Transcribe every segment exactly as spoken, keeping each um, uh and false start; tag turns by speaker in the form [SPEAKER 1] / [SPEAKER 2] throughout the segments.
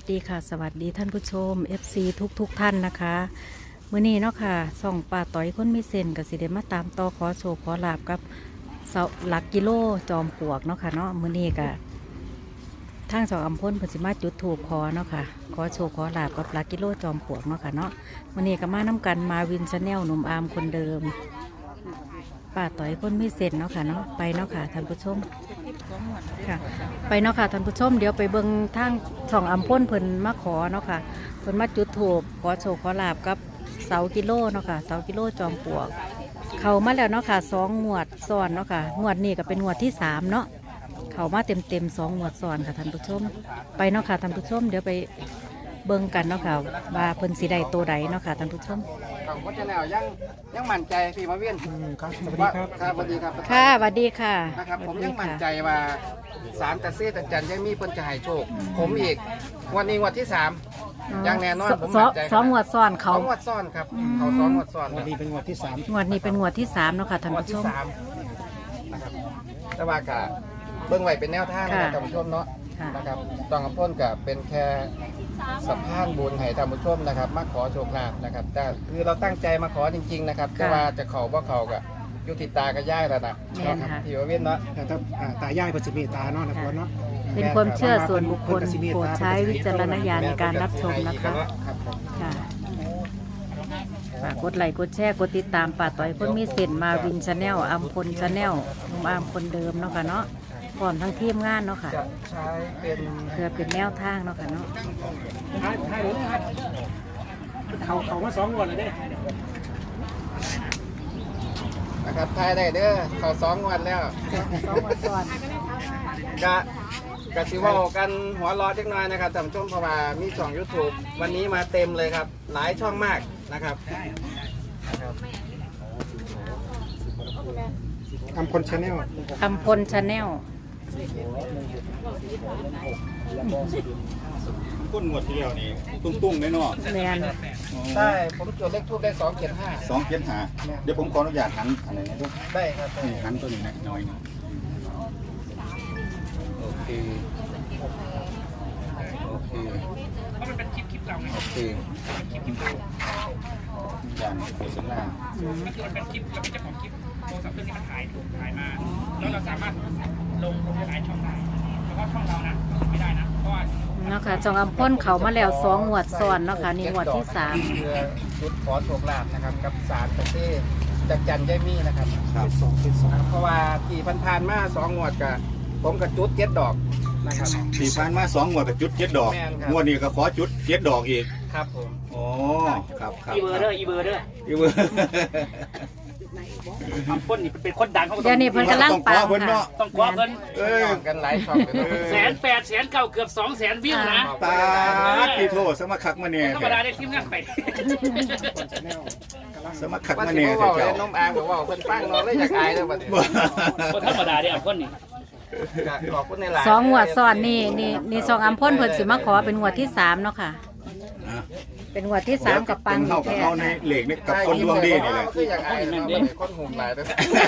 [SPEAKER 1] สดีค่ะสวัสดีท่านผู้ชม เอฟ ซี ทุกทุกท่านนะคะมื้อนี้เนาะค่ะส่องป่าต่อยคนมีเส้นกับสิเดมาตามต่อขอโชคขอลาบกับเสาหลักกิโลจอมปลวกเนาะค่ะเนาะมื้อนี้ก็ทางสองอำพลเพิ่นสิมาจุดธูปขอเนาะค่ะขอโชคขอลาบกับหลักกิโลจอมปลวกเนาะค่ะเนาะมื้อนี้ก็มานํกันมาวินชาแนลหนุ่มอาร์มคนเดิมป่าต่อยคนมีเส้นเนาะค่ะเนาะไปเนาะค่ะท่านผู้ชมค่ะไปเนาะค่ะท่านผู้ชมเดี๋ยวไปเบิ่งทางสองอำพลเพิ่นมาขอเนาะค่ะเพิ่นมาจุดธูปขอโชคขอลาบกับเสากิโลเนาะค่ะเสากิโลจอมปลวกเข้ามาแล้วเนาะค่ะสองงวดซ้อนเนาะค่ะงวดนี้ก็เป็นงวดที่สามเนาะเข้ามาเต็มเต็มสองงวดซ้อนค่ะท่านผู้ชมไปเนาะค่ะท่านผู้ชมเดี๋ยวไปเบิ่งกันเนาะค่ะว่าเพิ่นสิได้โตใดเนาะค่ะท่านผู้ชม
[SPEAKER 2] ของพ่อเจ้าแนวยังยังมั่นใจพี่มาเวียนครับสวัสดีครับครับสวัสดีครับ
[SPEAKER 1] ค่ะสวัสดีค่ะ
[SPEAKER 2] นะครับผมยังมั่นใจว่าสารตะเซตะจันยังมีเพิ่นจะให้โชคผมอีกวันนี้วันที่สามยังแน่นอนผมมั่นใจ
[SPEAKER 1] สองงวดซ้อนเขา
[SPEAKER 2] สองงวดซ้อนครับเขาสองงวดซ้อนวันนี้เป็นงวดที่สาม
[SPEAKER 1] งวดนี้เป็นงวดที่สามเนาะค่ะท่านผู้ชม
[SPEAKER 2] นะครับแต่ว่ากะเบื้องไว้เป็นแนวทางนะครับท่านผู้ชมเนาะนะครับตองกับพ่นกับเป็นแค่สะพานบุญให้ท่านผู้ชมนะครับมาขอโชคลาภนะครับแต่คือเราตั้งใจมาขอจริงๆนะครับแต่ว่าจะเขาว่าเขากับยุติตากับย่ายแล้วนะที่ว่าเวียนเนาะ
[SPEAKER 3] แต่ถ้าตายายปัจจุบันตาเนาะนะพ่อเนาะ
[SPEAKER 1] เป็นความเชื่อส่วนบุคคลโปรดใช้วิจารณญาณในการรับชมนะคะค่ะฝากกดไลค์กดแชร์กดติดตามป่าต่อยคนมีเส้นมาวินชาแนลอัมพลชาแนลนุ่มอามคนเดิมเนาะค่ะเนาะพร้อมทั้งทีมงานเนาะค่ะ
[SPEAKER 2] จะใช้เป็น
[SPEAKER 1] เพื่อเป็นแนวทางเนาะค่ะเนาะ
[SPEAKER 3] เขาเขามาสองวันเลยเด้
[SPEAKER 2] นะครับทายได้เด้อเขาสองวันแล้ว
[SPEAKER 1] สองวันซ้อน
[SPEAKER 2] กะกะสิว่ากันหัวรอเล็กน้อยนะครับท่านผู้ชมเพราะว่ามีช่อง ยูทูบ วันนี้มาเต็มเลยครับหลายช่องมากนะครับ
[SPEAKER 3] อัมพลชาแนล
[SPEAKER 1] อัมพลชาแนล
[SPEAKER 4] ก้นงวดที่แล้วนี่ตุ้งๆแน่นอน
[SPEAKER 1] แมน
[SPEAKER 2] ได้ผมจดเลขทูบได้สองเจ็ดห้า
[SPEAKER 4] สองเจ็ดหาเดี๋ยวผมขออนุญาตหันอะไรนะด้วย
[SPEAKER 2] ได้ครับ
[SPEAKER 4] หันตัวนี้นะน้อยนึงโอเคโอเคเพราะมันเป็นคลิปคลิปเก่าไงโอเคคลิปคลิปเก่าอย่างโฆษณา
[SPEAKER 5] ก็คือมันเป็นคลิปเราเป็นเจ้าของคลิปโทรศัพท์เครื่องที่มันถ่ายถูกถ่ายมาแล้วเราสามารถลงลงหลายช่องได้เฉพาะช่องเรานะไม่ได้นะเพราะว่า
[SPEAKER 1] เนาะค่ะจองอำพ้นเขามาแล้วสองงวดซ้อนเนาะค่ะนี่งวดที่สาม
[SPEAKER 2] เพื่อชุดขอโชคลาภนะครับกับสารตะเซ่จากจันยายมี่นะครับ
[SPEAKER 4] ครับ
[SPEAKER 2] สองสองเพราะว่ากี่พันพานมาสองงวดกับผมกับจุดเจ็ดดอกนะครับ
[SPEAKER 4] สี่พันมาสองงวดกับจุดเจ็ดดอกงวดนี้ก็ขอจุดเจ็ดดอกอีก
[SPEAKER 2] ครับผม
[SPEAKER 4] อ๋อครับครับ
[SPEAKER 5] อีเบอร์เด้ออีเบอร์เด้อ
[SPEAKER 4] อีเบอร์
[SPEAKER 5] คนนี่เป็นคนดังเขา
[SPEAKER 1] เดี๋ยวนี้เพิ่นกำลังปังค่ะ
[SPEAKER 5] ต้องคว้าเพิ่น
[SPEAKER 2] เออกันหลายช่อง
[SPEAKER 5] แสนแปดแสนเก้าเกือบสองแสนวิวนะ
[SPEAKER 4] ตาพี่โทษสมัครคักมาเนี่ย
[SPEAKER 5] ธรรมดาได้ทีมงานไป
[SPEAKER 4] สมัครคักมาเนี่ย
[SPEAKER 2] เจ้าน้องอาบอกว่าเพิ่นฟังนอนเลยอยากอายเลยบัดนี้
[SPEAKER 5] บ่ธรรมดาเด้อคนนี้
[SPEAKER 1] สองงวดซ้อนนี่นี่นี่สองอำพ้นเพิ่นสิมาขอเป็นงวดที่สามเนาะค่ะเป็นงวดที่สามกับปัง
[SPEAKER 4] เข้ากับเขาในเหล็กนี่กับคนดวงดีนี่แหละ
[SPEAKER 2] คืออยากอายคนหุ่มหลายเลย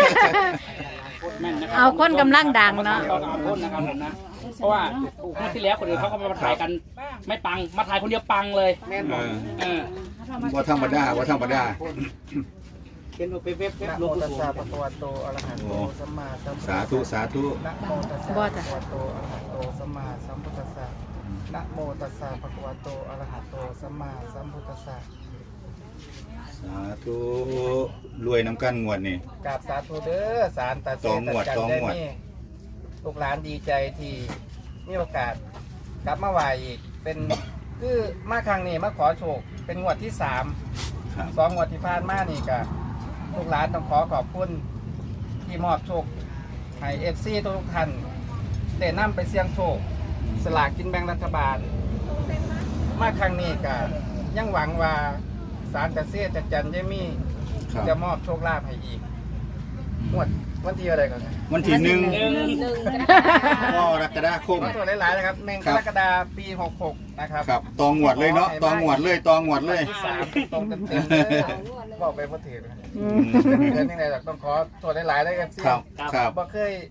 [SPEAKER 1] เอาคนกำลังดังเนาะ
[SPEAKER 5] คนนะครับผมนะเพราะว่าเมื่อที่แล้วคนอื่นเขาก็มาถ่ายกันไม่ปังมาถ่ายคนเดียวปังเลย
[SPEAKER 2] แม่นบ่
[SPEAKER 5] เออ
[SPEAKER 4] ว่าธรรมดาว่าธรรมดา
[SPEAKER 2] เขียนเว็บๆนะโมตัสสะภะคะวะโตอะระหะโตสัมมาสัมพุทธัสสะ
[SPEAKER 4] สาธุสาธุ
[SPEAKER 2] นะโมตัสสะภะคะวะโตอะระหะโตสัมมาสัมพุทธัสสะนะโมตัสสะภะคะวะโตอะระหะโตสัมมาสัมพุทธัสสะ
[SPEAKER 4] สาธุรวยน้ำกันงวดนี่
[SPEAKER 2] กราบสาธุเด้อสารตาเสตจันได้นี่ลูกหลานดีใจที่มีโอกาสกลับมาไหวอีกเป็นคือมาครั้งนี้มาขอโชคเป็นงวดที่สามสองงวดที่ผ่านมานี่ก็ลูกหลานต้องขอขอบคุณที่มอบโชคให้เอฟซีทุกท่านได้นำไปเสี่ยงโชคสลากกินแบ่งรัฐบาลมาครั้งนี้ก็ยังหวังว่าสารตะเซ่จัดจันยายมี่จะมอบโชคลาภให้อีกงวดวันที่อะไรก่อน
[SPEAKER 4] วันที่หนึ่งก็กรกฎาคม
[SPEAKER 2] ตัวหลายๆนะครับหนึ่งกรกฎาคมปีหกหกนะครับ
[SPEAKER 4] ครับตองหวดเลยเนาะตองหวดเลยตองหวดเลย
[SPEAKER 2] สามตรงเต็มๆเลยบอกไปว่าถือเดือนยังไงต้องขอตัวหลายๆเลยครับ
[SPEAKER 4] ครับครับ
[SPEAKER 2] บ่เคย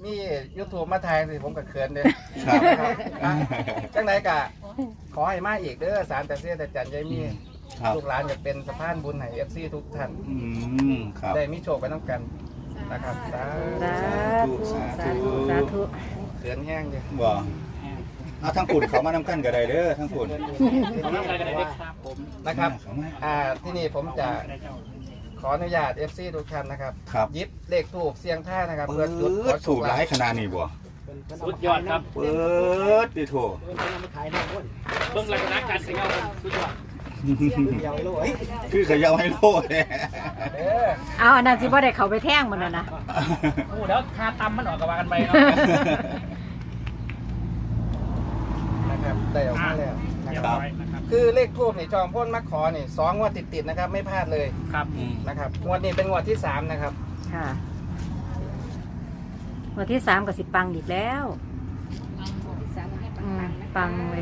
[SPEAKER 2] มียูทูบมาถ่ายสิผมก็เขินเลย
[SPEAKER 6] ครับ
[SPEAKER 2] อ่ะจังไหนกะขอให้มาอีกเด้อสารแต่เสียแต่จันยายมี
[SPEAKER 6] ครับ
[SPEAKER 2] ลูกหลานจะเป็นสะพานบุญให้เอฟซีทุกท่าน
[SPEAKER 6] อืมครับ
[SPEAKER 2] ได้มีโชคไปน้ำกันนะครับสา
[SPEAKER 1] สา
[SPEAKER 2] ธุ
[SPEAKER 1] ธุสาธุสาธุ
[SPEAKER 2] เขินแห้งเลย
[SPEAKER 6] บ่เอาทั้งปุ่นเขามานำกันก็ได้เด้อทั้งปุ่น
[SPEAKER 5] ขอน้ำใจกันได้ครับผม
[SPEAKER 2] นะครับ
[SPEAKER 6] เขามา
[SPEAKER 2] อ่าที่นี่ผมจะขออนุญาต เอฟ ซี ทุกท่านนะครับ
[SPEAKER 6] ครับ
[SPEAKER 2] ยิบเลขถูกเสียงท่ายนะครับ
[SPEAKER 6] เปิ
[SPEAKER 2] เพื่อจุดขอ
[SPEAKER 6] ด
[SPEAKER 2] โช
[SPEAKER 6] ถู
[SPEAKER 2] ค
[SPEAKER 6] กห
[SPEAKER 2] ลา
[SPEAKER 6] ลาย
[SPEAKER 2] ภ
[SPEAKER 6] ขนาดนี้บ่
[SPEAKER 5] สุดยอดครับ
[SPEAKER 6] เปิดดิโถ
[SPEAKER 5] เบื้องหลังการเขย่าสุดยอด
[SPEAKER 6] คือเขยาวให้โลดเนี่ย
[SPEAKER 2] เด้อ
[SPEAKER 1] เอาอันนั้นสิบ่ได้เขาไปแท่งมันน่ะนะ
[SPEAKER 5] โอ้เดี๋ยวคาตำมันออกกับว่ากันไปเนาะ
[SPEAKER 2] นะครับได้ออกมาแล้วนะ
[SPEAKER 5] เรีย
[SPEAKER 2] ครับ
[SPEAKER 5] บร้อยนะครับ
[SPEAKER 2] คือเลขทูบนี่จอมพ่นมักขอนี่สองงวดติดๆนะครับ ไม่พลาดเลย
[SPEAKER 5] ครับ
[SPEAKER 6] อืม
[SPEAKER 2] นะครับงวดนี้เป็นงวดที่สามนะครับ
[SPEAKER 1] ค่ะวันที่สามกับสิปังอีกแล้วอืมปังเลย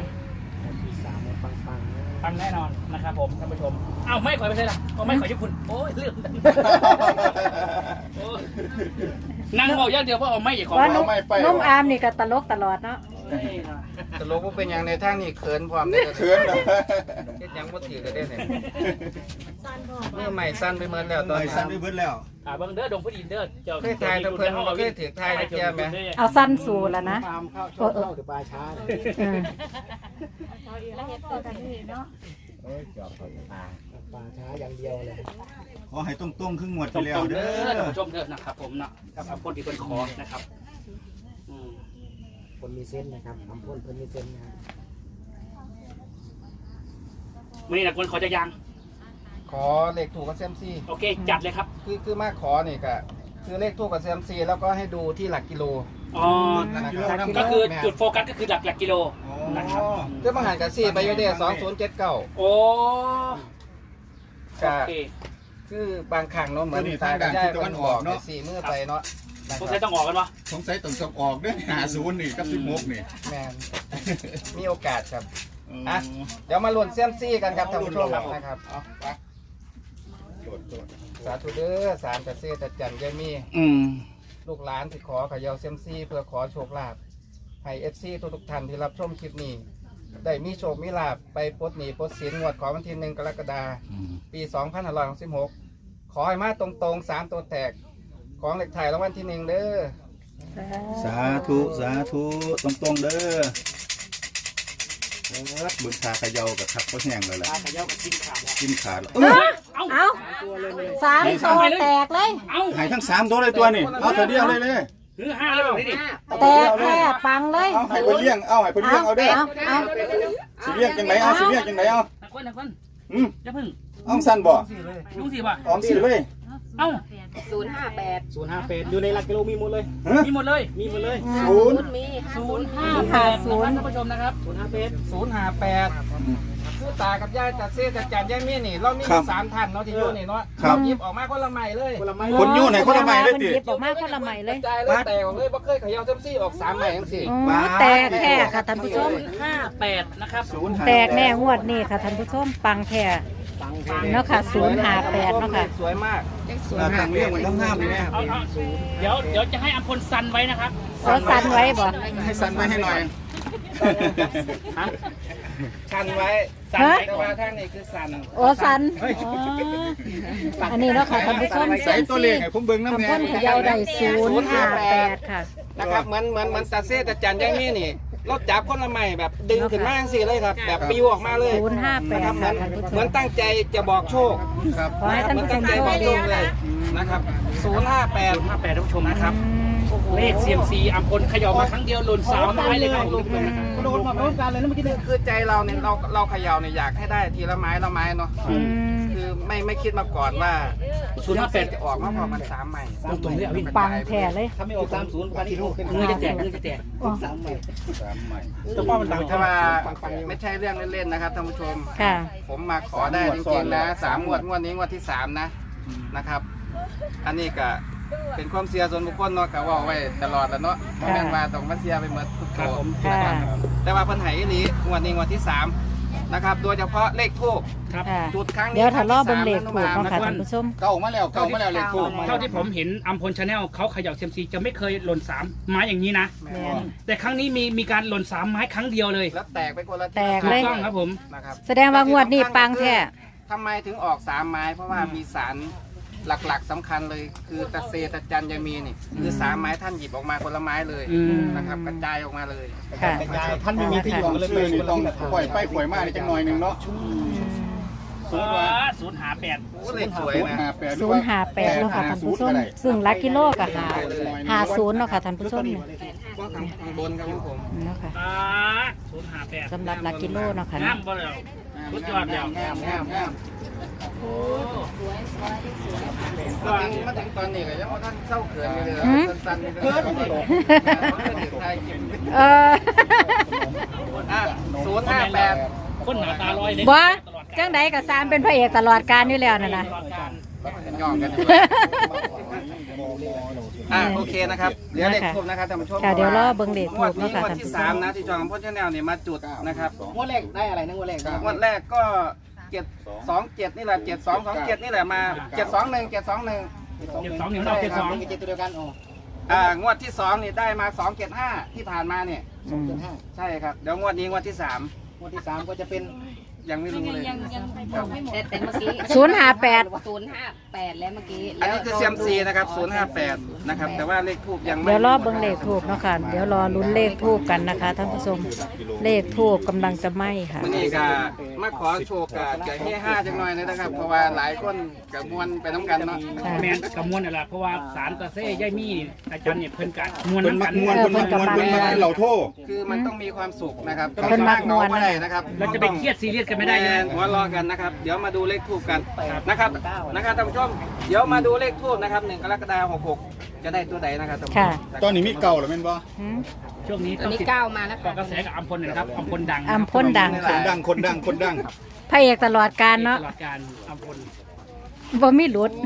[SPEAKER 5] ปังแน่นอนนะครับผมท่านผู้ชมเอ้าไม่ขอยไปใช่หรอเอาไม่ขอยญี่ปุ่นโอ้ยเรื่องโอ้ยนั่งบอกอย่างเดียวเพราะเอาไม่อย่าขอ
[SPEAKER 1] ว่านุ่มนุ่มอามนี่ก็ตลกตลอดเนาะ
[SPEAKER 2] จะรู้ว่าเป็นอย่างในทางนี้เขินพร้อมเนี่ย
[SPEAKER 6] เขินนะ
[SPEAKER 2] เฮ็ดหยังบ่ถือกันได้เนี่ยเมื่อใหม่สั้นไปเมินแล้วต
[SPEAKER 6] ต
[SPEAKER 2] อ
[SPEAKER 6] อน น
[SPEAKER 2] นี้
[SPEAKER 6] สั้นไปเบิดแล้ว
[SPEAKER 5] อ่าเบิ้งเด้อดงพุดินเด้อเจ้า
[SPEAKER 2] เคยถ่ายแต่เพิ่นบ่เคยถือถ่ายแต่แกไหม
[SPEAKER 1] เอาสั้นสู่แล้วนะ
[SPEAKER 3] ตามเข้าชอบเข้าหรือปลาช้าเลย
[SPEAKER 1] เออ
[SPEAKER 3] ปลาช้าอย่างเดียวเลย
[SPEAKER 6] ขอให้ตรงๆครึ่งงวด
[SPEAKER 5] ตร
[SPEAKER 6] ที่แล้ว
[SPEAKER 5] งๆ
[SPEAKER 6] เด้
[SPEAKER 5] เด้อท่าน
[SPEAKER 6] อ
[SPEAKER 5] ผู้ชมเด้อนะครับผมเนาะกับคนที่เป็นคอนะครับอืม
[SPEAKER 3] คนมีเส้นนะครับทำพ่นเพิ่นมีเส้นนะครับ
[SPEAKER 5] วันนี้นะคนขอจะยัง
[SPEAKER 2] ขอเลขถูกกับเซมซี
[SPEAKER 5] โอเคจัดเลยครับ
[SPEAKER 2] คือคือมาขอนี่ก็คือเลขถูกกับเซมซีแล้วก็ให้ดูที่หลักกิโล
[SPEAKER 5] อ๋อ ก็คือจุดโฟกัสก็คือหลักหลักกิโลนะครับ
[SPEAKER 2] คือบางหันกับซี่ไปอยู่เด้สองศูนย์เจ็ดเก้า
[SPEAKER 5] โอ้
[SPEAKER 2] ก็
[SPEAKER 5] โอเค
[SPEAKER 2] คือบางครั้งเนาะเหมือนตากับยายมันออกไปสี่มือไปเนาะนะ
[SPEAKER 5] สง
[SPEAKER 2] ค
[SPEAKER 5] สั
[SPEAKER 2] รั
[SPEAKER 5] ย
[SPEAKER 2] บ
[SPEAKER 5] ต้องออกกันวะ
[SPEAKER 6] สงสัยต้องสอบออกเด้อหาศูนย์นี่กับสิบหกนี่
[SPEAKER 2] แมนมีโอกาสครับ
[SPEAKER 6] อ๋อ
[SPEAKER 2] อ่ะ เดี๋ยวมาลุ้นเซียมซี่กันครับท่านผู้ชมนะครับ
[SPEAKER 6] เอาไปโดดโดด
[SPEAKER 2] สาธุเด้อสารกระเซตจันยายมี
[SPEAKER 6] อืม
[SPEAKER 2] ลูกหลานที่ขอเขยาเซียมซี่เพื่อขอโชคลาภให้เอฟซีทุกๆท่านที่รับชมคลิปนี้ ได้มีโชคมีลาภไปปลดหนี้ปลดสินงวดของวันที่หนึ่งกรกฎาคม
[SPEAKER 6] อืม
[SPEAKER 2] ปีสองพันห้าร้อยหกสิบหกขอให้มาตรงๆสามตัวแตกของเหล็กไทยรางวัลที่หนึ่งเด้อ
[SPEAKER 6] สาธุสาธุตรงๆเด้อครับบุญชาเขยากับทักก็แห้งเลยแหละ
[SPEAKER 5] ตาขย่ากับกินขาดแล้ว
[SPEAKER 6] กินขาดแล้ว
[SPEAKER 5] เอ้ยเอ้า
[SPEAKER 1] เอาสามตัวแตกเลย
[SPEAKER 5] เอ้า
[SPEAKER 6] หายทั้งสามตัวเลยตัวนี่เอาเธอเดียวเลยเลย
[SPEAKER 5] ถือห้าแล้วแบบนี้ดิ
[SPEAKER 1] แตกแค่ปังเลย
[SPEAKER 6] เอาให้เพิ่นเลี้ยงเอาให้เพิ่นเลี้ยงเอาเด้อ
[SPEAKER 1] เอาเอา
[SPEAKER 6] สิเลี้ยงจังไหนเอาสิเลี้ยงจังไหนเอา
[SPEAKER 5] นักคนนักคน
[SPEAKER 6] อืม
[SPEAKER 5] อย่าพึ่ง
[SPEAKER 6] เอาสั้นบ่
[SPEAKER 5] ลุงสิว่ะ
[SPEAKER 6] ออมสิเลย
[SPEAKER 5] เอ้า
[SPEAKER 3] ศูนย์ห้าแปดอยู่ในหลักกิโลมีหมดเลย
[SPEAKER 6] ฮะ
[SPEAKER 5] มีหมดเลย
[SPEAKER 3] มีหมดเลย
[SPEAKER 6] ศูนย์
[SPEAKER 5] ศูนย์ห้าแปดศูนย์ท่านผู้ชมนะครับ
[SPEAKER 3] ศูนย์ห้าแปด
[SPEAKER 2] ศูนย์ห้าแปดคือตากับยายจัดเซ่จัดจันยายมีนี่ เรามี
[SPEAKER 6] ครับ
[SPEAKER 2] สามท่านเนาะที่อยู่นี่เนาะ
[SPEAKER 6] ครับ
[SPEAKER 2] หยิบออกมาคนละใหม่เลย
[SPEAKER 3] คนละไม้
[SPEAKER 6] คนอยู่ไหนคนละใหม่เลยติ
[SPEAKER 1] นหยิบออกมาคนละใหม่เลย
[SPEAKER 2] กระจายเลยแตกออกเลยบ่เคยเขย่าเซมซี่ออกสามใหม่ทั้งสี่
[SPEAKER 1] อ๋อแตกแค่ค่ะท่านผู้ชม
[SPEAKER 5] ห้าแปดนะครับ
[SPEAKER 6] ศูนย์ห้า
[SPEAKER 1] แตกแน่งวดนี่ค่ะท่านผู้ชมปังแค่เนาะค่ะศูนย์ห้าแปดเนาะค่ะ
[SPEAKER 2] สวยมาก
[SPEAKER 6] เราตั้งเลี้ยงไว้ทั้งห้ามเลยแม่
[SPEAKER 5] เอาเอาเดี๋ยวเดี๋ยวจะให้อัมพลซันไว้นะครับ
[SPEAKER 1] โอ้สันไว้บ่
[SPEAKER 6] ให้สั้นไว้ให้หน่อย
[SPEAKER 5] ฮะ
[SPEAKER 2] ชันไว้
[SPEAKER 5] ซันไว้
[SPEAKER 2] แต่
[SPEAKER 5] ก่อ
[SPEAKER 2] ว่าน ทางนี้คือสัน
[SPEAKER 1] โอ้สันอ๋ออันนี้เนาะค่ะท่านผู้ชม
[SPEAKER 6] ใส่ตัวเลขให้ผมเบิ่งน้ำ
[SPEAKER 1] ทำ
[SPEAKER 6] แน่
[SPEAKER 1] พ้นเขยาวได้ศูนย์ห้าแปดค่ะ
[SPEAKER 2] นะครับเหมือนเหมือนเหมือนตาเซ่จัดจันยายมีนี่เราจับคนละใหม่แบบดึงขึ้นมาจังสี่เลยครับ แบบปิวออกมาเลย
[SPEAKER 1] ศูนย์ห้าแปด
[SPEAKER 2] นะครับเหมื
[SPEAKER 1] ค่ะ
[SPEAKER 2] อน
[SPEAKER 1] ท่านผู้ช
[SPEAKER 2] เหมือน
[SPEAKER 1] ม
[SPEAKER 2] ตั้งใจจะบอกโชค
[SPEAKER 6] ครับ
[SPEAKER 1] ขอให้ท่าน
[SPEAKER 2] เหมือน
[SPEAKER 1] ผู้ช
[SPEAKER 2] ตั้ง
[SPEAKER 1] ม
[SPEAKER 2] ใจ
[SPEAKER 1] โช
[SPEAKER 2] บ
[SPEAKER 1] ค
[SPEAKER 2] อกโช
[SPEAKER 1] ดี
[SPEAKER 2] คเลยนะครับศูนย์ห้าแปด
[SPEAKER 5] ห้าแปดท่านผู้ชมนะครับ
[SPEAKER 1] อืม
[SPEAKER 5] เลขเซียมซีอัมพลเขย่ามาครั้งเดียวหล่นสามไม้เลยครับผม
[SPEAKER 3] โดนมาพร้อมกันเลยนะเมื่อกี้
[SPEAKER 2] คือคือใจเราเนี่ยเราเราเขย่าเนี่ยอยากให้ได้ทีละไม้ละไม้เนาะ
[SPEAKER 1] อืม
[SPEAKER 2] คือไม่ไม่คิดมาก่อนว่า
[SPEAKER 5] ศูนย์ห้าแปด
[SPEAKER 2] จะออกมาพอมันสามใหม่
[SPEAKER 5] ตรงๆเลยเอาพี่
[SPEAKER 1] ปังแท้เลย
[SPEAKER 3] ถ้าไม่ออกสามศูนย์ปานิโอขึ้น
[SPEAKER 5] มือจะแตกมือจะแตก
[SPEAKER 3] สามใหม่
[SPEAKER 6] สามใหม่
[SPEAKER 3] แต่ว่ามันดัง
[SPEAKER 2] แต่ว่าไม่ใช่เรื่องเล่นๆนะครับท่านผู้ชม
[SPEAKER 1] ค่ะ
[SPEAKER 2] ผมมาขอได้จริงๆนะสามงวดงวดนี้งวดที่สามนะนะครับ อันนี้ก็เป็นความเสียส่วนบุคคลเนาะก็ว่าไว้ตลอดแล้วเนาะเพราะแม่นว่าต้องมาเสียไปหมดทุก
[SPEAKER 5] ครับ
[SPEAKER 2] ตัว
[SPEAKER 5] ผม
[SPEAKER 1] ค่ะ
[SPEAKER 2] แต่ว่าเพิ่นให้อีหลีงวดนี้งวดที่สามนะครับ โดยเฉพาะเลขทูบ
[SPEAKER 5] ครับ
[SPEAKER 1] ค่ะ
[SPEAKER 2] จุดครั้งนี้
[SPEAKER 1] เดี๋ยวถ้ารอบ
[SPEAKER 2] ครั้
[SPEAKER 1] เบิ่ง
[SPEAKER 2] ง
[SPEAKER 1] เล
[SPEAKER 2] ที่
[SPEAKER 1] ข
[SPEAKER 2] สาม
[SPEAKER 1] ถูกเนาะค่ะ
[SPEAKER 2] นะครับ
[SPEAKER 1] ท่านผู้ชม
[SPEAKER 6] เก่ามาแล้วเก่ามาแล้วเลขทูบ
[SPEAKER 5] เท่าที่ผมเห็นอัมพลชาแนลเขาเขย่าเซยมซีจะไม่เคยหล่นสามไม้อย่างนี้นะ
[SPEAKER 1] แม่น
[SPEAKER 5] แต่ครั้งนี้มีมีการหล่นสามไม้ครั้งเดียวเลย
[SPEAKER 2] แล้วแตกไปคนละ
[SPEAKER 1] แตก
[SPEAKER 5] ถู
[SPEAKER 1] เล
[SPEAKER 5] ก
[SPEAKER 1] ย
[SPEAKER 5] ต้องครับผม
[SPEAKER 2] นะครับ
[SPEAKER 1] แสดงว่างวดนี้ปังแท้
[SPEAKER 2] ทำไมถึงออกสามไม้ เพราะว่ามีสารหลักๆสำคัญเลย คือตะเซตะจันยามีนี่คือสามไม้ท่านหยิบออกมาคนละไม้เลย
[SPEAKER 5] อืม
[SPEAKER 2] นะครับกระจายออกมาเลย
[SPEAKER 1] ค่ะ
[SPEAKER 3] ท่านไม่มีที่อยู่ก็เลยไป
[SPEAKER 6] ชื่อนี่ต้องปล่อยไปปล่อยมาได้จังหน่อยหนึงเนาะ
[SPEAKER 5] ศูนย์ศูนย์หาแปด
[SPEAKER 2] โอ้เลขสวยนะ
[SPEAKER 1] ศูนย์ห้าแปดเนาะค่ะท่านผู้ชมซึ่งหลักกิโลก็หาหาศูนย์เนาะค่ะท่านผู้ชมเนี่ย
[SPEAKER 2] ว่าข้างข้างบนครับผม
[SPEAKER 1] เนาะค่ะ
[SPEAKER 5] ศูนย์หาแปด
[SPEAKER 1] สำหรับหลักกิโลเนาะค่ะ
[SPEAKER 5] งา
[SPEAKER 1] เนาะ
[SPEAKER 5] มบ่เลยสุดยอดแล้ว
[SPEAKER 2] งามงามงามมาถึงมาถึงตอนนี้ก็ยังว่าท่านเศร้าเขินอยู่เลยสั้นๆนี่ก็เขินไทยกิน
[SPEAKER 1] เออ
[SPEAKER 2] อ่ะศูนย์ห้าแปด
[SPEAKER 5] คนหนาตาลอยเลย
[SPEAKER 1] บ่จังใดก็สามเป็นพระเอกตลอดการอยู่แล้วนั่นน่ะ
[SPEAKER 5] ตลอดการ
[SPEAKER 2] ย่องกันอยู่อ่ะโอเคนะครับเดี๋ยวเลขทูบนะครับท่านผู้ชม
[SPEAKER 1] ค่ะเดี๋ยวรอเบิ่งเลขทูบ
[SPEAKER 2] งวดนี้
[SPEAKER 1] เนาะค่ะ
[SPEAKER 2] งวด
[SPEAKER 1] ท่าน
[SPEAKER 2] ที่
[SPEAKER 1] ผู้ช
[SPEAKER 2] สาม
[SPEAKER 1] ม
[SPEAKER 2] นะที่จองพ่นชาแนลเนี่ยมาจุดนะครับ
[SPEAKER 3] งวดแรกได้อะไรนะงวดแรก
[SPEAKER 2] งวดแรกก็เจ็ดสองเจ็ดนี่แหละเจ็ดสองสองเจ็ดนี่แหละมาเจ็ดสองหนึ่งเจ็ดสองหนึ่ง
[SPEAKER 5] เจ็ดสองหนึ่งเราเจ็ดสอง
[SPEAKER 3] มีเจ็ดตัวเดียวกันโอ้
[SPEAKER 2] อ่างวดที่สองนี่ได้มาสองเจ็ดห้าที่ผ่านมาเนี่ย
[SPEAKER 1] อืม
[SPEAKER 3] ห้า
[SPEAKER 2] ใช่ครับเดี๋ยวงวดนี้งวดที่สาม
[SPEAKER 3] งวดที่สามก็จะเป็น
[SPEAKER 2] ยังไม่รู้เลย
[SPEAKER 7] แต่แต่เมื่อกี้
[SPEAKER 1] ศูนย์ห้าแปด
[SPEAKER 7] ศูนย์ห้าแปดแล้วเมื่อกี้
[SPEAKER 2] อันนี้คือเซียมซีนะครับศูนย์ห้าแปดนะครับแต่ว่าเลขทูบยังไม่
[SPEAKER 1] เดี๋ยวรอเบิ่งเลขทูบเนาะค่ะเดี๋ยวรอลุ้นเลขทูบกันนะคะท่านผู้ชมเลขทูบกำลังจะไหม้ค่ะ
[SPEAKER 2] วันนี้ก็มาขอโชว์กับไก่เฮ่ห้าจังหน่อยนะครับ เพราะว่าหลายคนกับมวลไปน้ำกันเนาะ
[SPEAKER 1] ค่ะ
[SPEAKER 5] แมนกับมวลอะไรเพราะว่าสารตะเซ่ย่ายมี่อาจารย์เนี่ยเพิ่นกันมวล
[SPEAKER 6] เพิ่น
[SPEAKER 5] น้ำ
[SPEAKER 6] มั
[SPEAKER 5] กั
[SPEAKER 6] ก
[SPEAKER 5] น
[SPEAKER 6] มวนเพิ่นมักมวนเพิ่นมักให้เราโทษ
[SPEAKER 2] คือมันต้องมีความสุขนะครับ
[SPEAKER 1] เพิ่นมักม่วน
[SPEAKER 2] ไม่ได้นะครับ
[SPEAKER 5] เราจะไปเครียดซีเรียสกันไม่ได้
[SPEAKER 2] แม
[SPEAKER 5] เลย
[SPEAKER 2] นหัวรอกันนะครับเดี๋ยวมาดูเลขทูบกันนะครับนะครับท่านผู้ชมเดี๋ยวมาดูเลขทูบนะครับหนึ่งกรกฎาคมหกหกจะได้ตัวใดนะครับท่านผู้ช
[SPEAKER 1] ค่ะ
[SPEAKER 2] ม
[SPEAKER 6] ตอนนี้มีเก่าหรือแม่นบ่
[SPEAKER 1] หืม
[SPEAKER 5] ช่วงนี้
[SPEAKER 7] ตอ
[SPEAKER 5] ต้
[SPEAKER 7] น
[SPEAKER 5] อง
[SPEAKER 7] นี้
[SPEAKER 5] ติด
[SPEAKER 7] เก้ามาแล้ว
[SPEAKER 5] เกาะ
[SPEAKER 7] ค่ะ
[SPEAKER 5] กระแสกับอัมพลหนะครับอัมพลดัง
[SPEAKER 1] อัมพลดัง
[SPEAKER 6] ค
[SPEAKER 1] ค่ะ
[SPEAKER 6] นดังคนดังคนดัง
[SPEAKER 1] พระเอกตลอดการเนาะ
[SPEAKER 5] ตลอดการอัมพล
[SPEAKER 1] บ่มีหลุด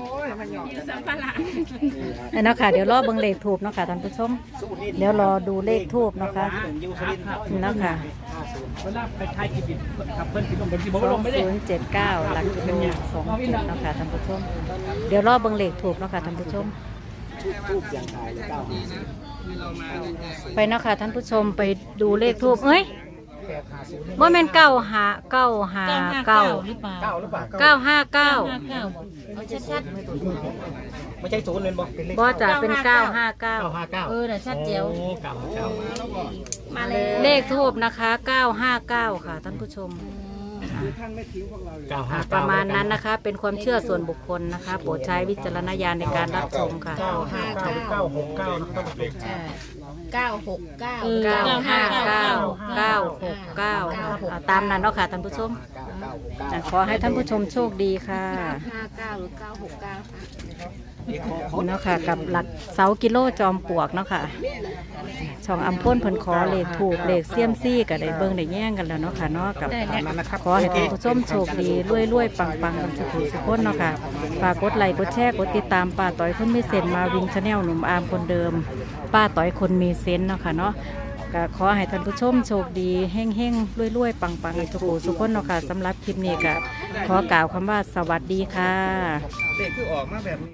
[SPEAKER 1] เอาเนาะค่ะเดี๋ยวรอเบิ่งเลขทูบเนาะค่ะท่านผู้ชมเดี๋ยวรอดูเลขทูบเนาะค่ะ
[SPEAKER 5] ยูสุรินทร์ครับ
[SPEAKER 1] เนาะค่ะ
[SPEAKER 5] เวลาไปไทยกิบิดขับเพิ่นสิลงเป็นสิบ
[SPEAKER 1] ส
[SPEAKER 5] ล
[SPEAKER 1] อง
[SPEAKER 5] งไม่ได้
[SPEAKER 1] ศูนย์เจ็ดเก้าหลักกิโลสองเจ็ดเนาะค่ะท่านผู้ชมเดี๋ยวรอเบิ่งเลขทูบเนาะค่ะท่านผู้ชม
[SPEAKER 3] ทูบเสียงทายเก้า
[SPEAKER 1] ไปเนาะค่ะท่านผู้ชมไปดูเลขทูบเอ้ยว่าแม่นเก้าหาเก้าหาเก้า
[SPEAKER 3] เก้าหรือเปล่า
[SPEAKER 1] เก้าห้าเก้า
[SPEAKER 7] เอาชัด
[SPEAKER 3] ไม่ใช่ศูนย์เลยบ่เป็นเลข
[SPEAKER 1] บ่จะเป็นเก้าห้าเก้า
[SPEAKER 3] เก้าห้าเก้า
[SPEAKER 7] ๆเออน่ะชัดเจียว
[SPEAKER 3] โอ้เก้าห้าเก้า
[SPEAKER 7] มาเลย
[SPEAKER 1] เลขทูบนะคะเก้าห้าเก้าค่ะท่านผู้ชม
[SPEAKER 3] เก้าห้า
[SPEAKER 1] ป
[SPEAKER 3] เก้า
[SPEAKER 1] ระมาณนั้นนะคะ เป็นความเชื่อส่วนบุคคลนะคะ โปรดใช้วิจารณญาณในการรับชมค่ะ
[SPEAKER 3] เก้าห้าเก้าเก้าหกเก้านะครับท่านผู้ชม
[SPEAKER 7] ใช่เก้าหกเก้า
[SPEAKER 1] เก้าห้าเก้าเก้าหกเก้าอ่าตามนั้นเนาะค่ะท่านผู้ชม
[SPEAKER 3] เก้าหกเก้า
[SPEAKER 1] อ่าขอให้ท่านผู้ชมโชคดีค่ะ
[SPEAKER 7] ห้าเก้าหรือเก้าหกเก้าค่ะ
[SPEAKER 1] เนาะค่ะกับหลักเสากิโลจอมปลวกเนาะค่ะช่องอัมพ่นเพิ่นขอเลขถูกเลขเซียมซี่ก็ได้เบิ่งได้แย่งกันแล้วเนาะค่ะเนาะกับขอให้ท่านผู้ชมโชคดีรวยๆปังๆกันสุขสุขคนเนาะค่ะฝากกดไลค์กดแชร์กดติดตามป้าต้อยคนมีเซนมาวินชาแนลหนุ่มอาร์มคนเดิม ป้าต้อยคนมีเซนเนาะค่ะเนาะก็ขอให้ท่านผู้ชมโชคดีแห้งๆรวยๆปังๆกันสุขสุขคนเนาะค่ะสำหรับคลิปนี้ก็ขอกล่าวคำว่าสวัสดีค่ะ
[SPEAKER 2] เลขคือออกมาแบบนี้